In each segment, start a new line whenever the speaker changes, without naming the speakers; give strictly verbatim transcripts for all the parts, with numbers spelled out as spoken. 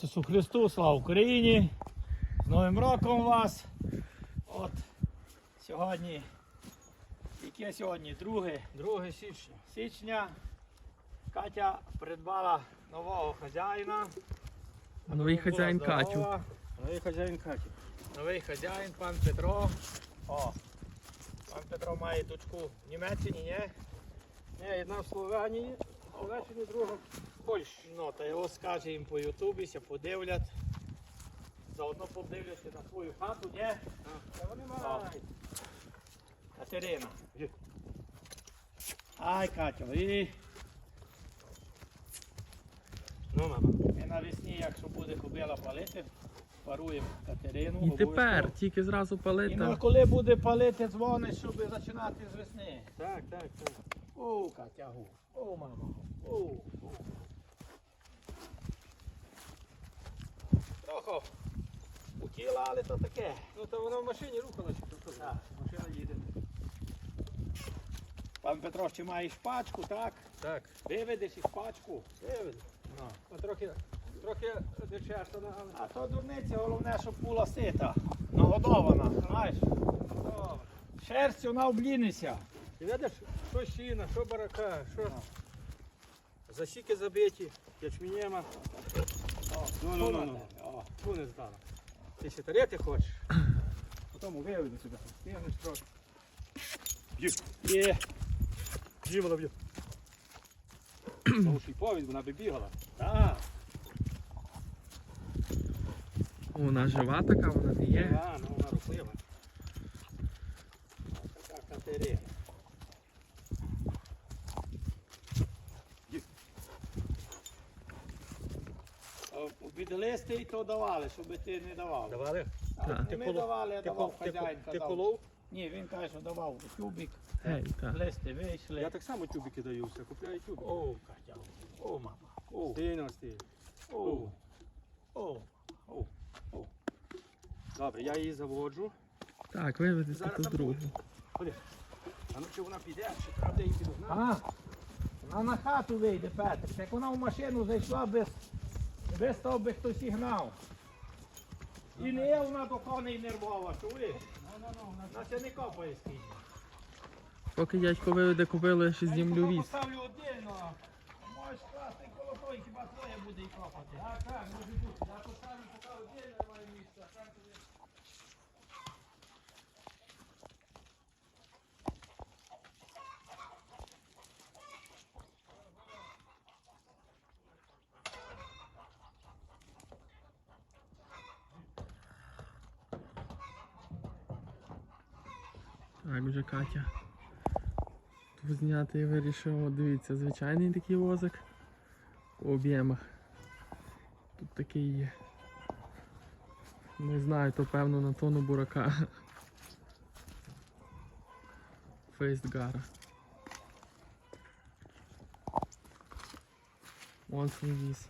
Ісусу Христу, слава Україні! З Новим роком вас! От сьогодні, яке сьогодні? друге
січня.
січня. Катя придбала нового хазяїна.
Новий хазяїн Катю.
Новий хазяїн Катю.
Новий хазяїн, пан Петро. О, пан Петро має дочку в Німеччині, ні?
Ні, одна в Словенії, а в Словаччині друга в Польщі.
Ну, та його скаже їм по ютубі, ся подивлять. Заодно подивляться на свою хату, ні?
Та вони
О.
мають.
Катерина.
Є.
Ай, Катя, і
Ну, мама.
ми навесні, якщо буде кобила палити, паруємо Катерину.
І тепер
обов'язково.
тільки зразу
І ну,
палити.
коли буде палити, дзвонить, щоб починати з весни.
Так, так, так.
О, Катя, гу. О, мама. О, о. Трохи утіла, але то таке.
Ну, то вона в машині рухалася. то що?
Так.
Машина їде.
Пан Петро, ще має шпачку, так?
Так.
Виведеш і шпачку.
Виведу.
Ну.
А трохи, трохи дичерта, але...
А то дурниця, головне, щоб була сита, нагодована, знаєш.
Добре.
Шерстю на облінися.
І видиш, що щіна, що барака, що... Засіки забиті, ячменєма. Ну, ну, ну, ну.
О,
Ту не здала. Ти ще тарити хочеш? Потім виведу сюди. Стігнеш трохи. Б'ю.
Є.
Б'ю, вона б'ю. Тому що й повідь, вона би бігала.
Так.
Вона жива така, вона не є.
А, ну вона рухлива.
Така Катерина. Обідлисти і то давали, щоб ти не давав.
Давали?
А,
Так.
не ми давали, я
Ти,
давав,
кол- ти,
хазяїн
кол- ти
казав.
колов?
Ні, він каже, що давав тюбик,
Гей, так.
листи вийшли.
Я так само тюбики даю, все, купляю тюбики.
О, Катя, о, мама, о,
Стильно, стильно.
о, о, о, о.
Добре, я її заводжу.
Так, виведете
Зараз
ту
там
другу.
Ходи. А ну чи вона піде, чи треба де її підогнати?
А, вона на хату вийде, Петр. Як вона в машину зайшла без, без того би хтось і гнав. І не є вона до коней нервова, чуєш? Вона ще не копає скільки.
Поки дядько виведе кобилу, я ще знімлю віз.
Поставлю отдельно. Можеш класти коло той, хіба твоє буде і копати. Так, так, може бути. Я поставлю поки отдельно моє місце. а там тобі-
Так, вже Катя. Тут зняти я вирішив, от дивіться, звичайний такий возик по об'ємах. Тут такий є. Не знаю, то певно на тонну бурака. Фейстгара. Монсний віз.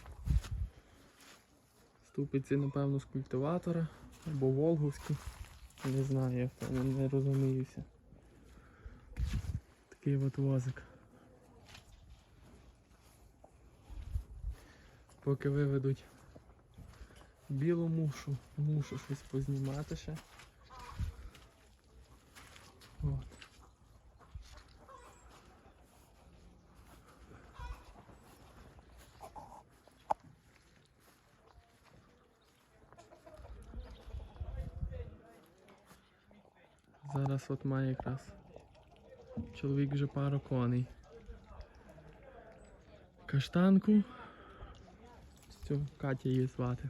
Ступиці, напевно, з культиватора або волговські. Не знаю, я в тому не розуміюся. Такий от возик. Поки виведуть білу мушу, мушу щось познімати ще. От. Зараз от має якраз чоловік вже пару коней. Каштанку. Цю Катя її звати.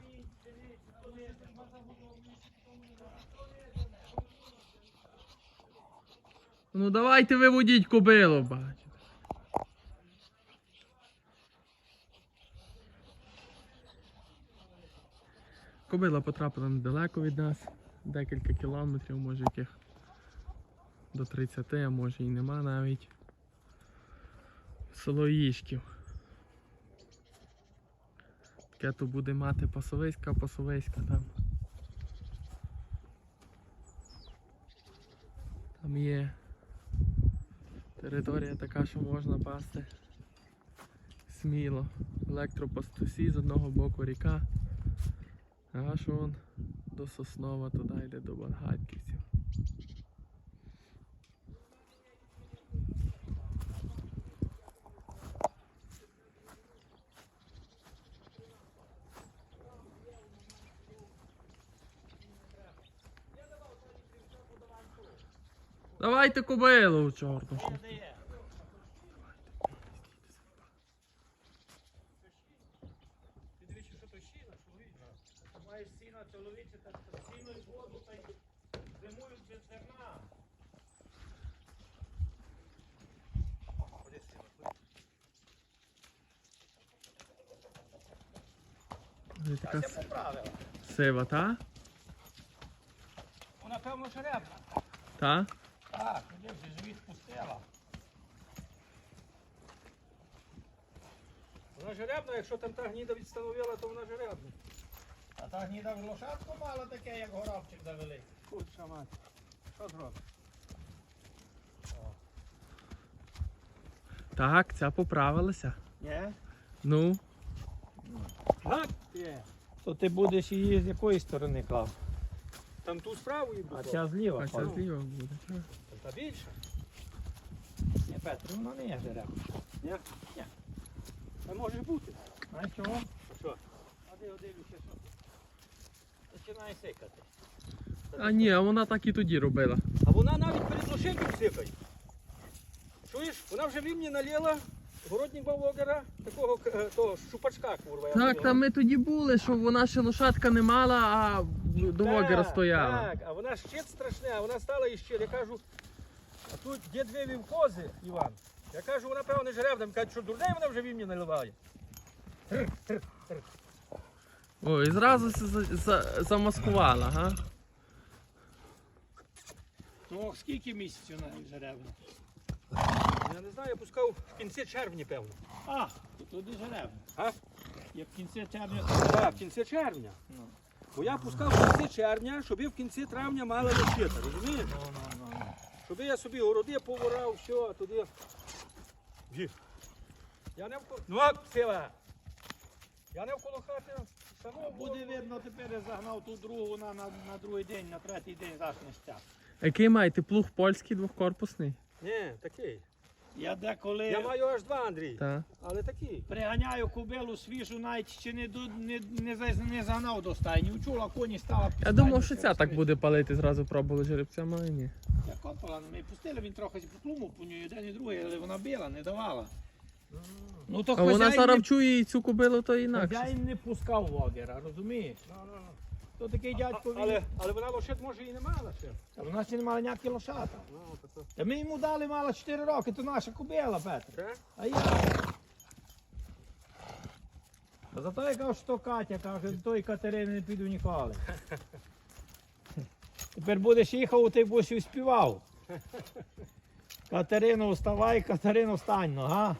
Ну давайте виводіть кобилу, бачите. Кобила потрапила недалеко від нас, декілька кілометрів, може яких до тридцяти, а може і нема навіть. Село Їжків. Таке то буде мати пасовиська, пасовиська там. Там є територія така, що можна пасти сміло. Електропастусі, з одного боку ріка. Аж вон до Соснова туди йде до Бангайківців. Давайте кобилу, чорну. що.
Де є?
Ти дивишся, що то щіна, чоловіча.
Ти маєш сіна чоловіче, так сіно і воду, та й зимують без зерна.
Ходи сіна, ходи.
Ось
Та
така
це поправила.
сива, та?
Вона, певно, жеребна.
Та?
Так, тоді вже живіт пустила.
Вона жеребна, якщо там та гніда відстановила, то вона жеребна.
А та гніда в лошадку мала таке, як горобчик завели.
Курча мать. Що зробиш?
Так, ця поправилася.
Ні?
Ну,
Гак є.
То ти будеш її з якої сторони клав?
Там ту справу і
А
буде.
ця зліва.
а ця
клав.
зліва буде. та.
Та більше.
Ні, Петро, вона не є жеребна.
Ні?
Ні.
Та може бути.
Знаєш чого?
А що?
А де дивлюся, що? Починає сикати.
А ні, а вона так і тоді робила.
А вона навіть перед лошадьком сипає. Чуєш? Вона вже вімні наліла городнього вогера, такого е, того щупачка, курва. я
Так,
називаю.
там ми тоді були, що вона ще лошадка не мала, а до вогера
Так,
стояла.
Так, а вона щит страшне, а вона стала і щит. Я кажу, а тут дід вивів кози, Іван. Я кажу, вона певно жеребна. Він каже, що дурний вона вже вімні наливає.
О, і зразу се за- за- замаскувала, га?
Ну, скільки місяців навіть жеребна?
Я не знаю, я пускав в кінці червня, певно.
А, то туди жеребна.
А?
Як в кінці червня.
Так, в кінці червня.
Ну.
Бо я пускав в кінці червня, щоб я в кінці травня мала лощита, розумієш?
Ну, ну, ну, ну.
Щоб я собі городи поворав, все, туди. Гі. Я не вколо. Ну, сила! Я не вколо хати. Шановно,
Буде видно, тепер я загнав ту другу, вона на, на другий день, на третій день зашне стяг.
Який маєте плуг польський двохкорпусний?
Ні, такий.
Я деколи
Я маю аж два, Андрій.
Так.
Але такий.
приганяю кобилу свіжу, навіть ще не, до- не, не, за- не загнав до стайні. Учула, коні стала під
Я думав,
стайню,
що
ще
ця так
розкрити.
буде палити, зразу пробували жеребцям, але ні.
Я копала, ми пустили, він трохи поплумав по ній, один і другий, але вона била, не давала. Ну то
А вона
хазяїн
зараз
не-
чує і цю кобилу, то інакше.
Хазяїн не пускав вогера, розумієш?
Ну, ну, ну.
То такий дядько
А-
він.
але, але вона лошадь може і не мала ще.
Та вона ще не мала ніякі лошата.
Ну, то, то.
Та ми йому дали мала чотири роки, то наша кобила, Петро.
Це?
А я. А зато я кажу, що Катя каже, до тої Катерини не піду ніколи. Тепер будеш їхав, ти будеш і співав. Катерино, вставай, Катерино, встань, ну, га?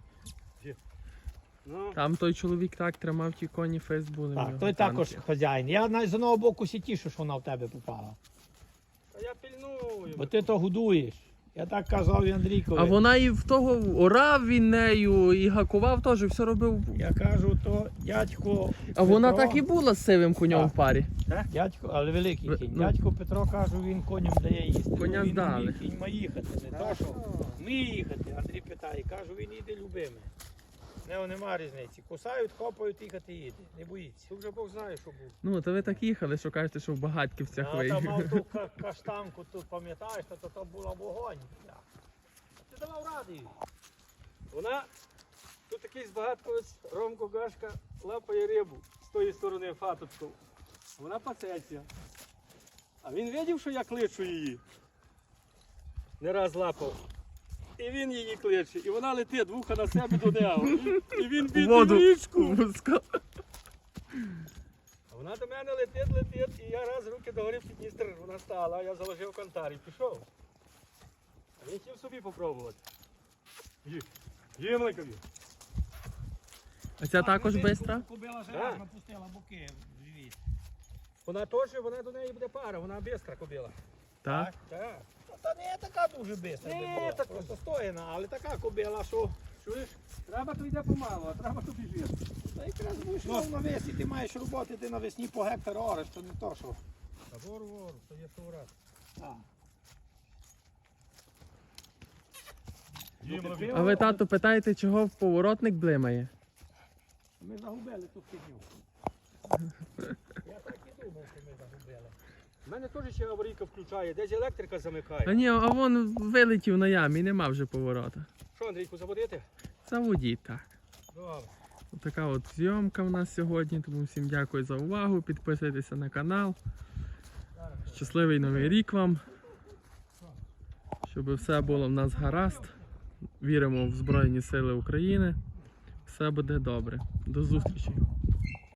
Ну,
Там той чоловік так тримав ті коні, фест були. в
Так,
нього
той
там
також
ті.
хазяїн. Я навіть з одного боку сі тішу, що вона в тебе попала.
а я пільную.
Бо ти то годуєш. Я так казав і Андрійкові.
А вона і в того орав він нею, і гакував теж, все робив.
Я кажу, то дядько.
А вона
Петро-
так і була з сивим конем
Так.
в парі.
Дядько, але великий
Ви-
кінь.
ну.
Дядько Петро каже, він коням дає їсти.
Коня
Ну, він
здали.
уміє, Кінь має їхати. Не то, що ми їхати. Андрій питає, кажу, він їде любимий. Не, нема різниці. Кусають, копають, їхати їде. Не боїться.
Тут вже Бог знає, що був.
Ну, то ви так їхали, що кажете, що в Багатківцях
А
ви.
там мав ту ка- каштанку, тут пам'ятаєш, то, то, то була вогонь. бля. Ти давав ради їй.
Вона, тут такий збагатковець, Ромко Гашка, лапає рибу з тої сторони фаточку. Вона пасеться. А він видів, що я кличу її. Не раз лапав. І він її кличе. І вона летить вуха на себе до нього. І, і він бідний в
Воду
річку.
пускав.
А вона до мене летить, летить, і я раз руки догорів під Дністр, вона стала, я заложив кантар і пішов. А він хотів собі попробувати. Ї, є маленька.
А ця також
ну,
бистра?
Кобила
Так.
железна пустила боки в живіт.
Вона теж, вона до неї буде пара, вона бистра кобила.
Так.
Так.
Та не така дуже бистра,
Ні,
не була.
так-
Просто стоїна, але така кобила, що
Чуєш? Треба то йде помалу, а треба то біжить.
Та якраз будеш мав навесні, ти маєш роботи, ти навесні по гектару ореш, то не то, що.
Та вору, вору, то є соврат.
А.
А ви, тату, питаєте, чого поворотник блимає?
Ми загубили ту фігню. Я так і думав, що ми загубили.
У мене теж ще аварійка включає, десь електрика
А
замикає.
ні, а вон вилетів на ямі, нема вже поворота.
Що, Андрійку, заводити?
Заводіть, так.
Добре.
Така от зйомка в нас сьогодні, тому всім дякую за увагу, підписуйтеся на канал. Щасливий новий рік вам, щоб все було в нас гаразд. Віримо в Збройні Сили України. Все буде добре. До зустрічі!